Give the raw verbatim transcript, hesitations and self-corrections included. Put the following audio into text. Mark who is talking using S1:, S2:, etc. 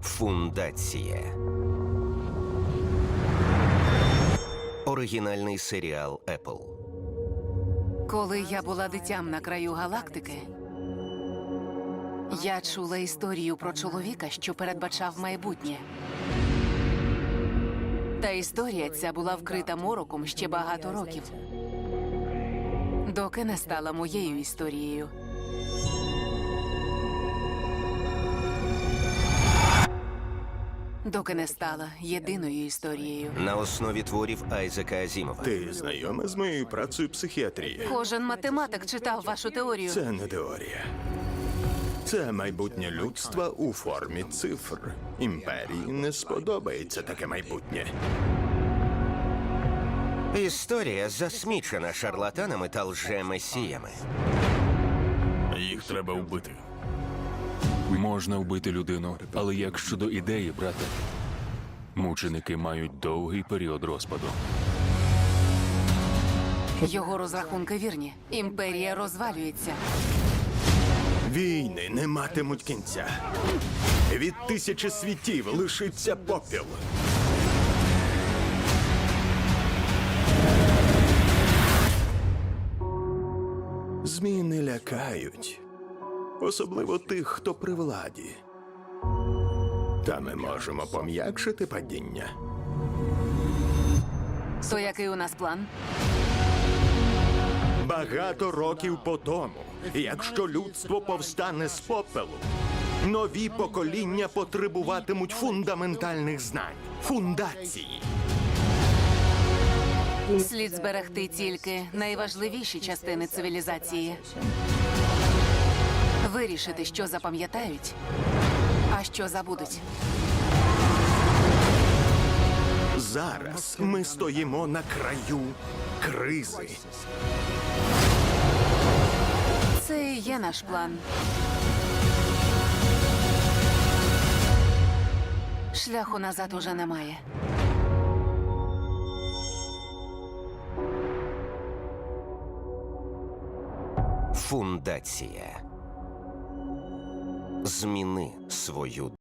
S1: Фундація. Оригінальний серіал Apple.
S2: Коли я була дитям на краю галактики, я чула історію про чоловіка, що передбачав майбутнє. Та історія ця була вкрита мороком ще багато років, доки не стала моєю історією. Доки не стала єдиною історією.
S1: На основі творів Айзека Азімова.
S3: Ти знайома з моєю працею психіатрії?
S2: Кожен математик читав вашу теорію.
S3: Це не теорія. Це майбутнє людства у формі цифр. Імперії не сподобається таке майбутнє.
S1: Історія засмічена шарлатанами та лже-месіями.
S4: Їх треба вбити. Можна вбити людину, але як щодо ідеї, брате? Мученики мають довгий період розпаду.
S2: Його розрахунки вірні. Імперія розвалюється.
S3: Війни не матимуть кінця. Від тисячі світів лишиться попіл. Зміни лякають. Особливо тих, хто при владі. Та ми можемо пом'якшити падіння.
S2: То який у нас план?
S3: Багато років по тому, якщо людство повстане з попелу, нові покоління потребуватимуть фундаментальних знань, фундації.
S2: Слід зберегти тільки найважливіші частини цивілізації. Вирішити, що запам'ятають, а що забудуть.
S3: Зараз ми стоїмо на краю кризи.
S2: Це і є наш план. Шляху назад уже немає.
S1: Фундація. Зміни свою